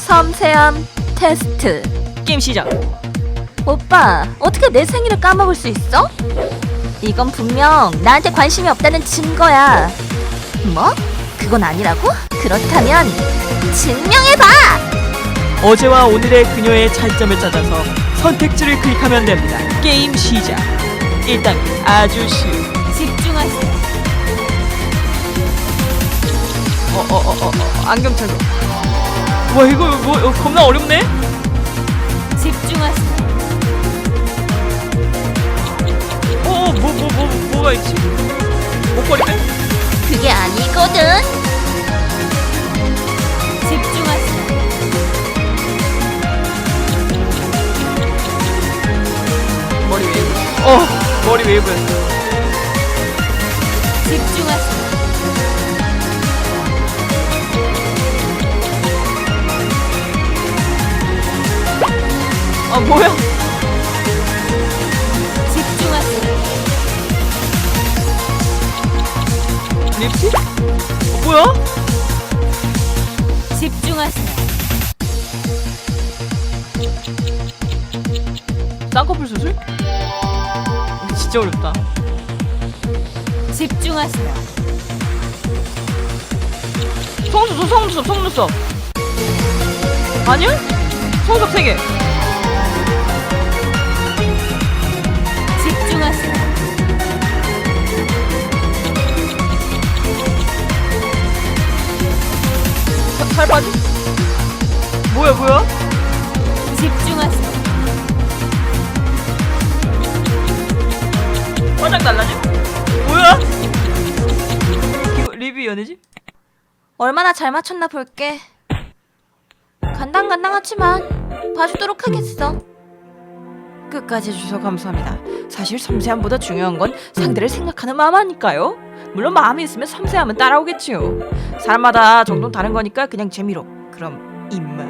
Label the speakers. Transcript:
Speaker 1: 섬세함 테스트.
Speaker 2: 게임 시작.
Speaker 1: 오빠, 어떻게 내 생일을 까먹을 수 있어? 이건 분명 나한테 관심이 없다는 증거야. 뭐? 그건 아니라고? 그렇다면 증명해봐!
Speaker 2: 어제와 오늘의 그녀의 차이점을 찾아서 선택지를 클릭하면 됩니다. 게임 시작. 1단계 아주 쉬운.
Speaker 1: 집중하세요.
Speaker 2: 안경 착용. 와 이거 뭐 겁나 어렵네.
Speaker 1: 집중하세요.
Speaker 2: 뭐가 있지? 목걸이 빼?
Speaker 1: 그게 아니거든. 집중하세요.
Speaker 2: 머리 웨이브. 머리 웨이브였어.
Speaker 1: 집중하세요.
Speaker 2: 뭐야?
Speaker 1: 집중하세요.
Speaker 2: 립스틱? 뭐야?
Speaker 1: 집중하세요.
Speaker 2: 쌍꺼풀 수술? 진짜 어렵다.
Speaker 1: 집중하세요.
Speaker 2: 속눈썹. 아니야? 속눈썹 3개.
Speaker 1: 집중하세요.
Speaker 2: 살 빠지? 뭐야?
Speaker 1: 집중하세요.
Speaker 2: 화장 달라져? 뭐야? 이거 리뷰 연애지?
Speaker 1: 얼마나 잘 맞췄나 볼게. 간당간당하지만 봐주도록 하겠어.
Speaker 2: 끝까지 해주셔서 감사합니다. 사실 섬세함보다 중요한 건 상대를 생각하는 마음 아닐까요? 물론 마음이 있으면 섬세함은 따라오겠지요. 사람마다 정도는 다른 거니까 그냥 재미로. 그럼 이만.